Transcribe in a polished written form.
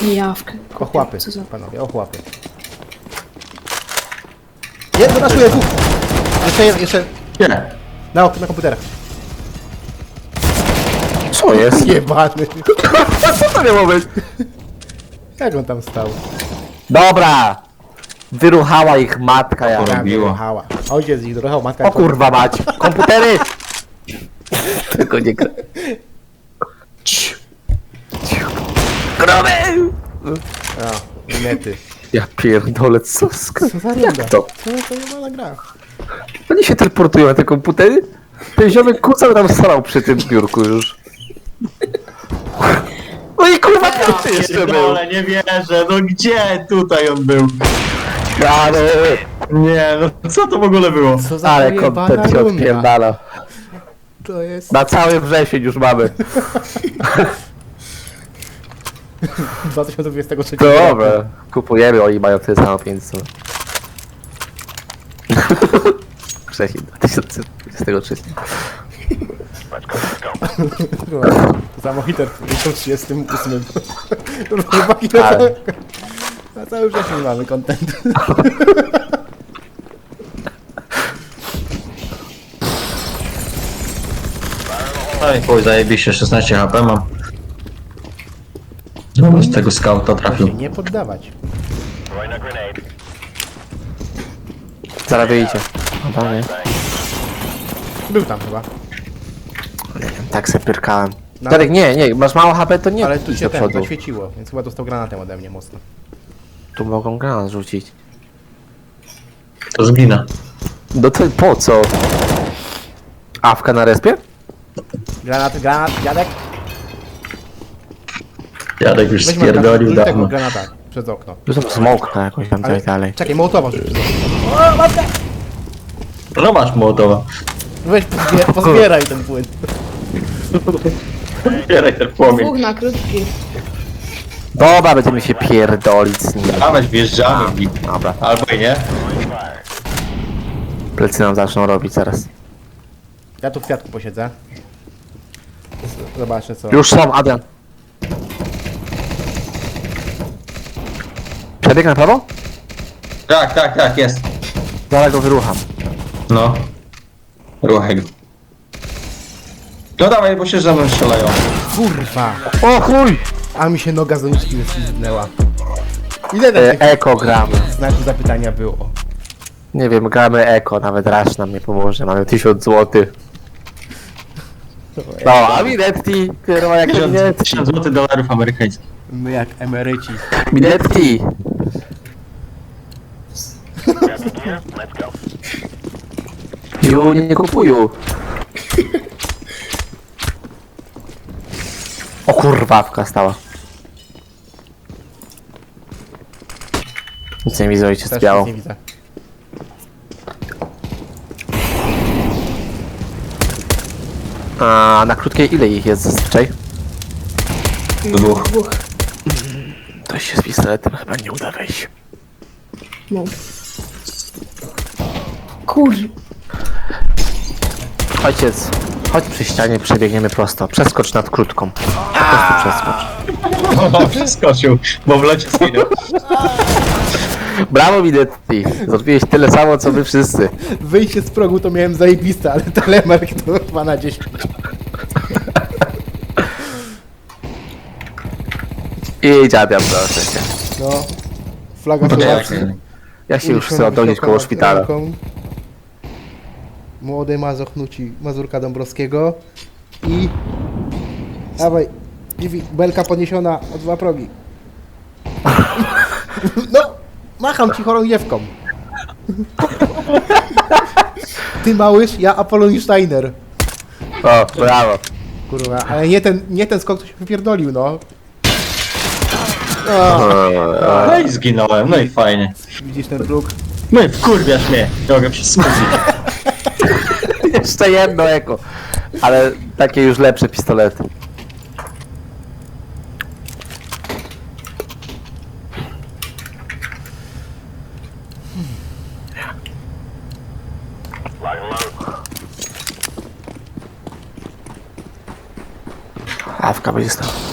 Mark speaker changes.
Speaker 1: Jawkę.
Speaker 2: Ochłapy,
Speaker 1: Co za...
Speaker 2: panowie, ochłapy. Jedno naszuję, dwóch! Jeszcze...
Speaker 3: Nie.
Speaker 2: Na komputerach.
Speaker 4: Co jest?
Speaker 2: Jebany.
Speaker 4: Co to miało być?
Speaker 2: Jak on tam stał?
Speaker 4: Dobra! Wyruchała ich matka ja.
Speaker 3: Porobiło.
Speaker 2: Jechała. Ojciec ich dorochał, matka...
Speaker 4: O kurwa mać! Komputery! Tylko nie gra. Gromy!
Speaker 2: A, nety.
Speaker 4: Ja pierdolę, co
Speaker 2: Co za runda?
Speaker 4: Jak to?
Speaker 2: Co to nie ma gra?
Speaker 4: Oni się teleportują na te komputery? Ten ziomek kucał tam starał przy tym biurku już. No i kurwa, kto jeszcze był?
Speaker 3: Pierdolę, nie wierzę, no gdzie tutaj on był?
Speaker 4: Ale,
Speaker 3: Nie, no co to w ogóle było?
Speaker 2: Co za
Speaker 4: ale
Speaker 2: pojebana
Speaker 4: kontent się
Speaker 2: runda.
Speaker 4: odpierdala.
Speaker 2: To jest...
Speaker 4: Na cały wrzesień już mamy.
Speaker 2: 2023
Speaker 4: Dobra, kupujemy, oni mają tyle samo 500. Wrzesień 2023.
Speaker 2: Za Mojiter w 1938. Chłopaki,
Speaker 4: Ale-
Speaker 2: na cały wrzesień mamy content.
Speaker 3: No i chuj, zajebiście, 16 HP mam. No, z tego skauta
Speaker 2: Się
Speaker 3: trafił.
Speaker 2: nie poddawać.
Speaker 4: Zaraz wyjdzie. No to nie.
Speaker 2: Był tam chyba.
Speaker 4: Tak se pyrkałem.
Speaker 2: No,
Speaker 4: Darek, nie, masz mało HP, to nie
Speaker 2: ale tu
Speaker 4: idź
Speaker 2: się
Speaker 4: do
Speaker 2: ten
Speaker 4: przodu.
Speaker 2: zaświeciło, więc chyba dostał granatem ode mnie mocno.
Speaker 4: Tu mogą granat rzucić.
Speaker 3: To zginę.
Speaker 4: No to po co? Awka na respie?
Speaker 2: Granat, dziadek.
Speaker 3: Jadek już
Speaker 2: Weźmy
Speaker 3: spierdolił
Speaker 2: tego
Speaker 3: dawno.
Speaker 2: granata przez okno.
Speaker 4: Tu są smoke na jakąś tam
Speaker 2: Ale,
Speaker 4: coś dalej.
Speaker 2: czekaj, Mołotowa rzuć przez okno.
Speaker 3: No masz Mołotowa.
Speaker 2: Weź, pozbieraj ten płyn.
Speaker 3: Zbieraj ten płomień.
Speaker 1: Dwóch na krótki.
Speaker 4: Dobra, będziemy się pierdolić z nim.
Speaker 3: Dawać, wjeżdżamy w nich.
Speaker 4: Dobra,
Speaker 3: Albo i nie.
Speaker 4: plecy nam zaczną robić zaraz.
Speaker 2: Ja tu w kwiatku posiedzę. Zobaczę co.
Speaker 4: Już są, Adrian. Przebieg na prawo?
Speaker 3: Tak, jest.
Speaker 4: Zaraz go wyrucham.
Speaker 3: No. Ruchaj go. No dawaj, bo się ze mną strzelają.
Speaker 2: Kurwa!
Speaker 4: O chuj!
Speaker 2: A mi się noga z doniczki wyślizgnęła. Ile tam tych
Speaker 4: Eko gramy.
Speaker 2: znaków zapytania było?
Speaker 4: Nie wiem, gramy eko, nawet Rasz nam nie pomoże, mamy 1000 zł. No, a Minetti, kurwa jak
Speaker 3: 1000
Speaker 4: Minetti.
Speaker 3: zł dolarów amerykańskich.
Speaker 2: My jak emeryci.
Speaker 4: Minetti. Ju, nie kupuju. O kurwa, awka stała. Nic nie widzę, ojciec
Speaker 2: Też
Speaker 4: biało.
Speaker 2: nic nie widzę.
Speaker 4: A na krótkiej ile ich jest zazwyczaj?
Speaker 3: Dwóch.
Speaker 4: To się z pistoletem chyba nie uda wejść.
Speaker 1: No. Kur...
Speaker 4: Ojciec, chodź przy ścianie, przebiegniemy prosto. Przeskocz nad krótką. Po prostu przeskocz.
Speaker 3: Przeskoczył, bo w locie zginął.
Speaker 4: Brawo, Minetti! Zrobiłeś tyle samo, co my wszyscy.
Speaker 2: Wyjście z progu to miałem zajebiste, ale telemark to chyba na 10.
Speaker 4: I dziabiam, proszę cię.
Speaker 2: No. Flaga
Speaker 3: To
Speaker 2: Słowacji.
Speaker 3: jak?
Speaker 4: Ja się już chcę oddolić koło szpitala.
Speaker 2: Młody Mazoch nuci Mazurka Dąbrowskiego. I... Dawaj. Belka podniesiona o 2 progi. No! Macham ci chorągiewką. Ty małysz, ja Apollon Steiner.
Speaker 4: O, brawo.
Speaker 2: Kurwa, ale nie ten skok, to się wypierdolił, no.
Speaker 3: No i zginąłem, no i fajnie.
Speaker 2: Widzisz ten próg?
Speaker 3: No i wkurwiasz mnie. Nie mogę się skupić.
Speaker 4: Jeszcze jedno eko. Ale takie już lepsze pistolety. Awka będzie stała.